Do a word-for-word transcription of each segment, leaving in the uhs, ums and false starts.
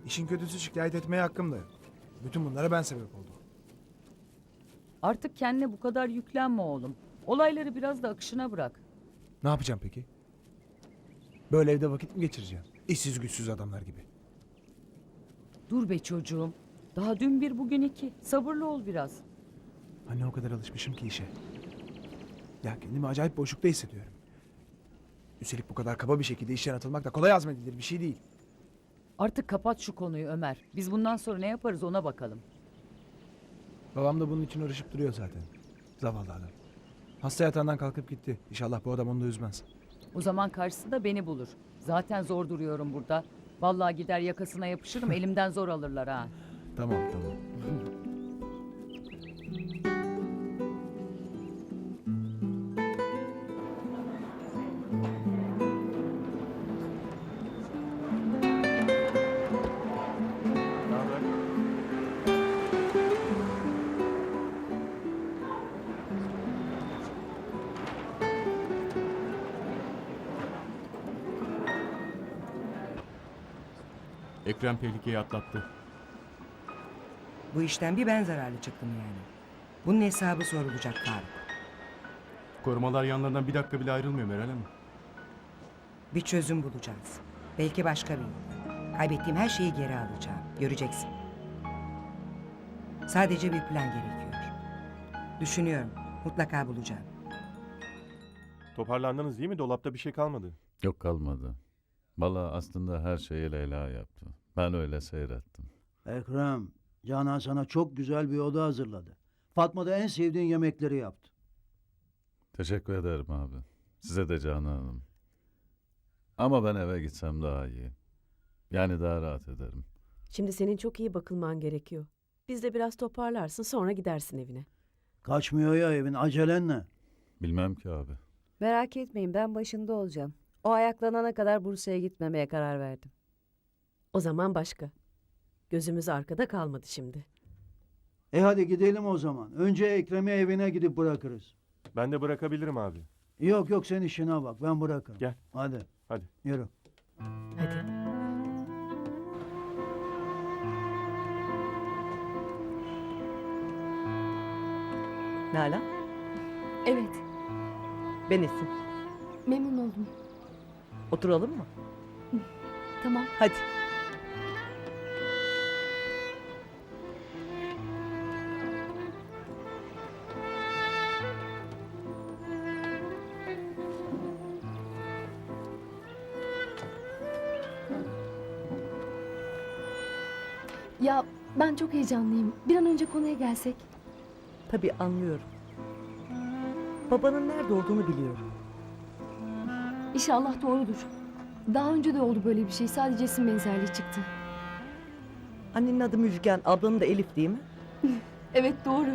İşin kötüsü şikayet etmeye hakkımdı. Bütün bunlara ben sebep oldum. Artık kendine bu kadar yüklenme oğlum. Olayları biraz da akışına bırak. Ne yapacağım peki? Böyle evde vakit mi geçireceğim? İşsiz güçsüz adamlar gibi. Dur be çocuğum. Daha dün bir bugün iki. Sabırlı ol biraz. Anne o kadar alışmışım ki işe. Ya kendimi acayip boşlukta hissediyorum. Üstelik bu kadar kaba bir şekilde işten atılmak da kolay hazmedilir bir şey değil. Artık kapat şu konuyu Ömer. Biz bundan sonra ne yaparız ona bakalım. Babam da bunun için uğraşıp duruyor zaten. Zavallı adam. Hasta yatağından kalkıp gitti. İnşallah bu adam onu da üzmez. O zaman karşısında beni bulur. Zaten zor duruyorum burada. Vallahi gider yakasına yapışırım elimden zor alırlar ha. Tamam tamam. Ekrem tehlikeyi atlattı. Bu işten bir ben zararlı çıktım yani. Bunun hesabı sorulacak Faruk. Korumalar yanlarından bir dakika bile ayrılmıyor Meral Hanım. Bir çözüm bulacağız. Belki başka bir yol. Kaybettiğim her şeyi geri alacağım. Göreceksin. Sadece bir plan gerekiyor. Düşünüyorum. Mutlaka bulacağım. Toparlandınız değil mi? Dolapta bir şey kalmadı. Yok kalmadı. Vallahi aslında her şeyi Leyla yaptı. Ben öyle seyrettim. Ekrem, Canan sana çok güzel bir oda hazırladı. Fatma da en sevdiğin yemekleri yaptı. Teşekkür ederim abi. Size de Canan Hanım. Ama ben eve gitsem daha iyi. Yani daha rahat ederim. Şimdi senin çok iyi bakılman gerekiyor. Biz de biraz toparlarsın sonra gidersin evine. Kaçmıyor ya evin, acelen ne? Bilmem ki abi. Merak etmeyin ben başında olacağım. O ayaklanana kadar Bursa'ya gitmemeye karar verdim. O zaman başka. Gözümüz arkada kalmadı şimdi. E hadi gidelim o zaman. Önce Ekrem'i evine gidip bırakırız. Ben de bırakabilirim abi. Yok yok sen işine bak, ben bırakırım. Gel. Hadi. Hadi. Yürü. Hadi. Nalan, Evet, ben Esin. memnun oldum. Oturalım mı? Tamam. Hadi. Ya ben çok heyecanlıyım. Bir an önce konuya gelsek. Tabii anlıyorum. Babanın nerede olduğunu biliyorum. İnşallah doğrudur. Daha önce de oldu böyle bir şey. Sadece isim benzerliği çıktı. Annenin adı Müjgan, ablanın da Elif değil mi? Evet doğru.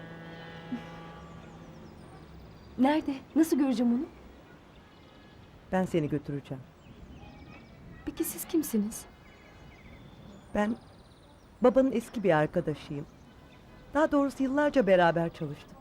Nerede? Nasıl göreceğim onu? Ben seni götüreceğim. Peki siz kimsiniz? Ben babanın eski bir arkadaşıyım. Daha doğrusu yıllarca beraber çalıştık.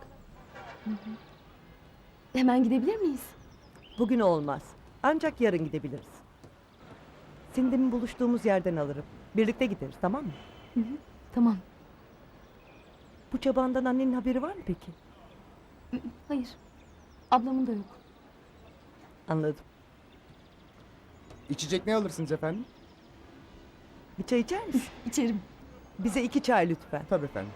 Hemen gidebilir miyiz? Bugün olmaz. Ancak yarın gidebiliriz. Seni demin buluştuğumuz yerden alırım. Birlikte gideriz, tamam mı? Hı hı, tamam. Bu çabandan annenin haberi var mı peki? Hayır. Ablamın da yok. Anladım. İçecek ne alırsınız efendim? Bir çay içer misin? İçerim. Bize iki çay lütfen. Tabii efendim.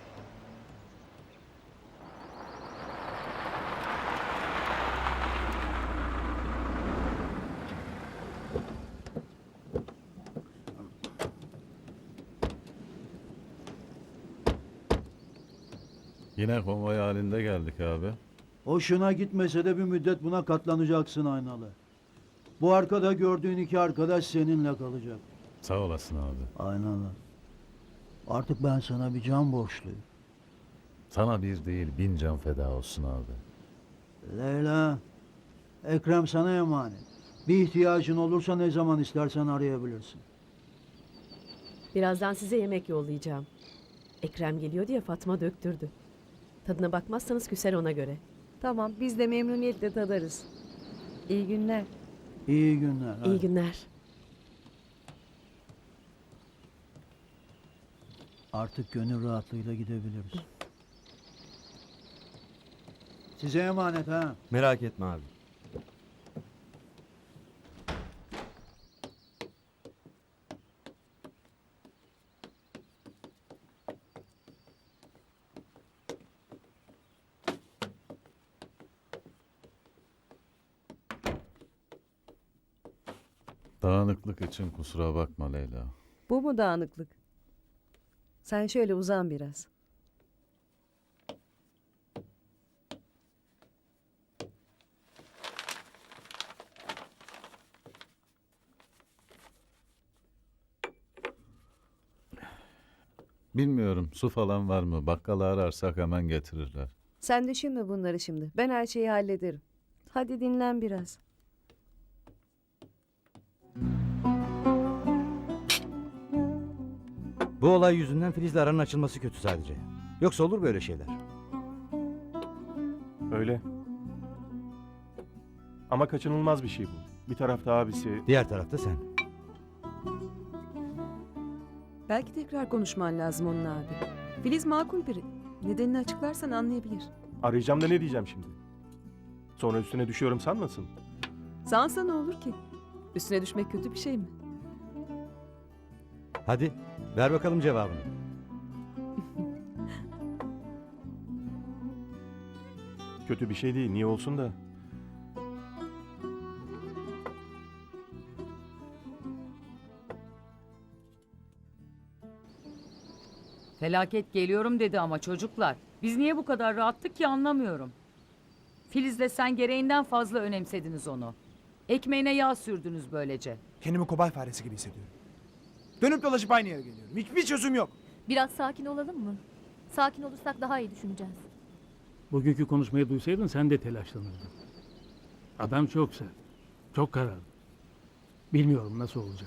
Yine konvoy halinde geldik abi. Hoşuna gitmese de bir müddet buna katlanacaksın Aynalı. Bu arkada gördüğün iki arkadaş seninle kalacak. Sağ olasın abi. Aynalı. Artık ben sana bir can borçluyum. Sana bir değil bin can feda olsun abi. Leyla, Ekrem sana emanet. Bir ihtiyacın olursa ne zaman istersen arayabilirsin. Birazdan size yemek yollayacağım. Ekrem geliyor diye Fatma döktürdü. Tadına bakmazsanız küser ona göre. Tamam biz de memnuniyetle tadarız. İyi günler. İyi günler. İyi hadi. günler. Artık gönül rahatlığıyla gidebiliriz. Size emanet ha. Merak etme abi. Dağınıklık için kusura bakma Leyla. Bu mu dağınıklık? Sen şöyle uzan biraz. Bilmiyorum su falan var mı? Bakkalı ararsak hemen getirirler. Sen düşünme bunları şimdi. Ben her şeyi hallederim. Hadi dinlen biraz. Bu olay yüzünden Filiz'le aranın açılması kötü sadece. Yoksa olur böyle şeyler. Öyle. Ama kaçınılmaz bir şey bu. Bir tarafta abisi, Diğer tarafta sen. Belki tekrar konuşman lazım onunla abi. Filiz makul biri. Nedenini açıklarsan anlayabilir. arayacağım da ne diyeceğim şimdi? Sonra üstüne düşüyorum sanmasın. Sansa ne olur ki? Üstüne düşmek kötü bir şey mi? Hadi ver bakalım cevabını. Kötü bir şey değil, niye olsun da. Felaket geliyorum dedi ama çocuklar. Biz niye bu kadar rahattık ki anlamıyorum. Filiz'le sen gereğinden fazla önemsediniz onu. Ekmeğine yağ sürdünüz böylece. Kendimi kobay faresi gibi hissediyorum. Dönüp dolaşıp aynı yere geliyorum. Hiçbir çözüm yok. Biraz sakin olalım mı? Sakin olursak daha iyi düşüneceğiz. Bugünkü konuşmayı duysaydın sen de telaşlanırdın. Adam çok sert. Çok kararlı. Bilmiyorum nasıl olacak.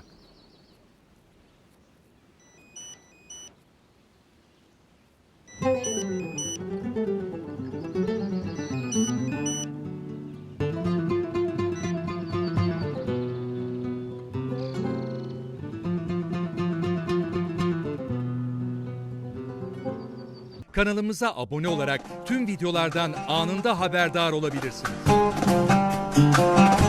Kanalımıza abone olarak tüm videolardan anında haberdar olabilirsiniz.